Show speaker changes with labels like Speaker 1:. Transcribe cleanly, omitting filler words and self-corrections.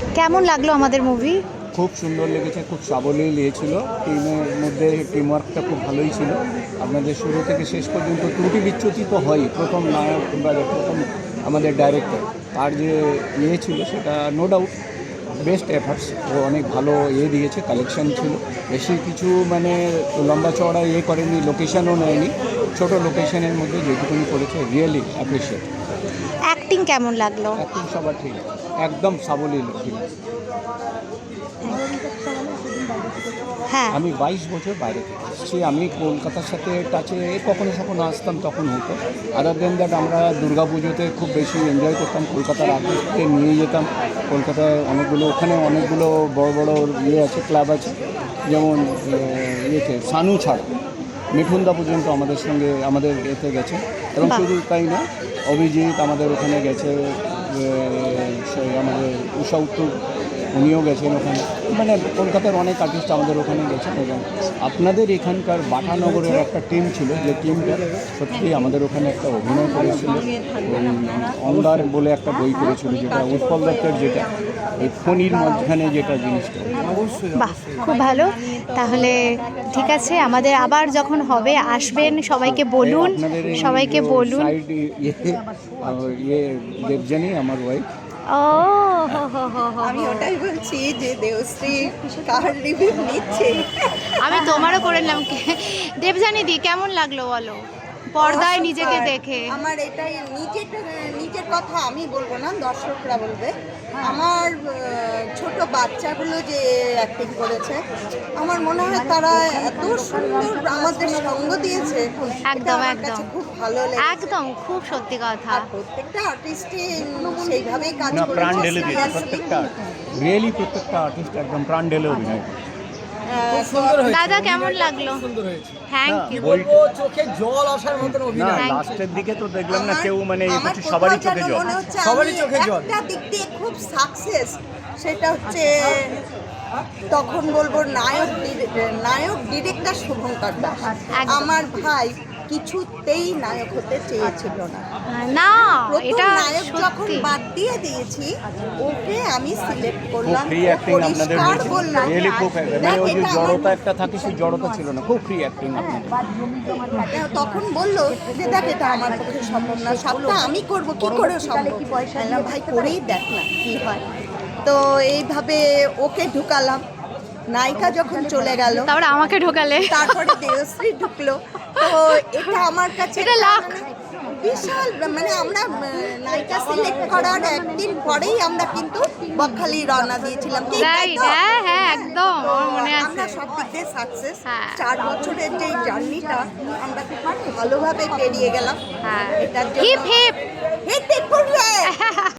Speaker 1: কেমন লাগলো আমাদের মুভি?
Speaker 2: খুব সুন্দর লেগেছে, খুব সাবলীল ছিল। টিমের মধ্যে টিমওয়ার্কটা খুব ভালোই ছিল। আপনাদের শুরু থেকে শেষ পর্যন্ত ত্রুটি বিচ্যুতি তো হয়ই। প্রথম নায়ক বা প্রথম আমাদের ডাইরেক্টর তার যে ছিল সেটা নো ডাউট বেস্ট এফার্টস। ও অনেক ভালো দিয়েছে, কালেকশন ছিল বেশি কিছু, মানে লম্বা চওড়া করেনি, লোকেশনও নেয়নি। ছোট লোকেশনের মধ্যে যেটুকুনি করেছে রিয়েলি অ্যাপ্রিসিয়েট।
Speaker 1: অ্যাক্টিং কেমন লাগলো?
Speaker 2: অ্যাক্টিং সবার ঠিক, একদম সাবলীল ছিল।
Speaker 1: হ্যাঁ,
Speaker 2: আমি 22 বছর বাইরে থেকে এসেছি। আমি কলকাতার সাথে টাচে কখনো কখনো আসতাম, তখন হতো। আদার দেন দ্যাট আমরা পুজোতে খুব বেশি এনজয় করতাম। কলকাতার আর্টিস্টকে নিয়ে যেতাম। কলকাতায় ওখানে অনেকগুলো বড় বড় আছে, ক্লাব আছে, যেমন সানু ছাড়া মিঠুনদা পর্যন্ত আমাদের সঙ্গে আমাদের গেছে। এবং শুধু তাই না, অভিজিৎ আমাদের ওখানে গেছে, আমাদের উষা উত্তর উনিও গেছেন ওখানে। মানে কলকাতার অনেক আর্টিস্ট আমাদের ওখানে গেছেন। এবং আপনাদের এখানকার বাটানগরের একটা টিম ছিল, যে টিমটা সত্যি আমাদের ওখানে একটা অভিনয় করেছিল। অন্দার বলে একটা বই করেছিল, যেটা উৎপল দত্তের, যেটা এই ফণির মাঝখানে যেটা জিনিসটা।
Speaker 1: বাহ, খুব ভালো। তাহলে ঠিক আছে, আমাদের আবার যখন হবে আসবেন, সবাইকে বলুন, সবাইকে বলুন।
Speaker 2: দেবজানি আমার ওয়াইফ।
Speaker 1: ও হো হো হো হো।
Speaker 3: আমি ওটাই বলছি যে দেবশ্রী কার রিভিউ নিচ্ছে।
Speaker 1: আমি তোমারও করে নিলাম। দেবজানি দি, কেমন লাগলো বলো পর্দায় নিজেকে দেখে?
Speaker 3: আমার এটাই নিজের কথা আমি বলবো না, দর্শকরা বলবে। আমার ছোট বাচ্চাগুলো যে অ্যাক্টিং করেছে, আমার মনে হয় তারা এত সুন্দর আমাদের সঙ্গ দিয়েছে।
Speaker 1: একদম
Speaker 3: আমার
Speaker 1: একদম
Speaker 3: কাছে খুব ভালো লেগেছে।
Speaker 1: একদম, খুব সত্যি কথা।
Speaker 3: আর প্রত্যেকটা আর্টিস্টই সেইভাবেই কাজ
Speaker 2: না, প্রাণ
Speaker 3: করেছে
Speaker 2: ঢেলে দিয়েছে প্রত্যেকটা, রিয়েলি প্রত্যেকটা আর্টিস্ট একদম প্রাণ ঢেলে অভিনয় করেছে।
Speaker 1: দাদা কেমন লাগলো? Thank you.
Speaker 4: বলবো চোখে জল আসার মতন
Speaker 2: না,
Speaker 4: অভিনয়।
Speaker 2: লাস্টের দিকে তো দেখলাম না কেউ, মানে সবারই চোখে জল।
Speaker 4: সবারই চোখে জল।
Speaker 3: একটা দিক দিয়ে খুব সাকসেস, সেটা হচ্ছে তখন বলবো নায়ক ডিরেক্টর শুভঙ্কর দাস।
Speaker 1: একদম।
Speaker 3: আমার ভাই কিছুতেই নায়ক হতে চেয়েছিল না।
Speaker 1: না,
Speaker 3: প্রথম
Speaker 1: এটা
Speaker 3: নায়ক যখন
Speaker 1: সত্যি।
Speaker 3: বাদ দিয়ে দিয়েছি, ওকে আমি সিলেক্ট
Speaker 2: খুব
Speaker 3: করলাম।
Speaker 2: ফ্রি
Speaker 3: ও
Speaker 2: অ্যাক্টিং আপনাদের
Speaker 3: পরিষ্কার
Speaker 2: হয়েছে,
Speaker 3: বললাম,
Speaker 2: রিয়েলি খুব, মানে ওই যে
Speaker 3: এটা আমার
Speaker 2: জড়তা একটা থাকে, সেই জড়তা ছিল না, খুব ফ্রি অ্যাক্টিং আপনাদের।
Speaker 3: তখন বললো যে দেখ, এটা আমার পক্ষে সম্ভব না, সবটা আমি করব, কি করে সম্ভব? বললাম ভাই করেই দেখ না কি হয়। তো এইভাবে ওকে ঢুকালাম। নায়িকা যখন চলে গেল,
Speaker 1: তারপরে আমাকে ঢোকালে।
Speaker 3: তারপরে দেবশ্রী ঢুকলো। তো এটা আমার কাছে
Speaker 1: এটা লাখ।
Speaker 3: বিশাল, মানে আমরা নায়িকা সিলেক্ট করার একদিন পরেই আমরা কিন্তু বকখালি রওনা দিয়েছিলাম। ঠিক তাই
Speaker 1: রাইট,
Speaker 3: তো?
Speaker 1: হ্যাঁ হ্যাঁ, একদম আমার মনে আছে।
Speaker 3: আমরা সব দিক দিয়ে সাকসেস।
Speaker 1: হ্যাঁ।
Speaker 3: 4 বছরের যে জার্নিটা আমরা খুব ভালোভাবে পেরিয়ে গেলাম।
Speaker 1: হ্যাঁ,
Speaker 3: এটার
Speaker 1: হিপ
Speaker 3: জন্য
Speaker 1: হিপ।
Speaker 3: Hip hip hurray.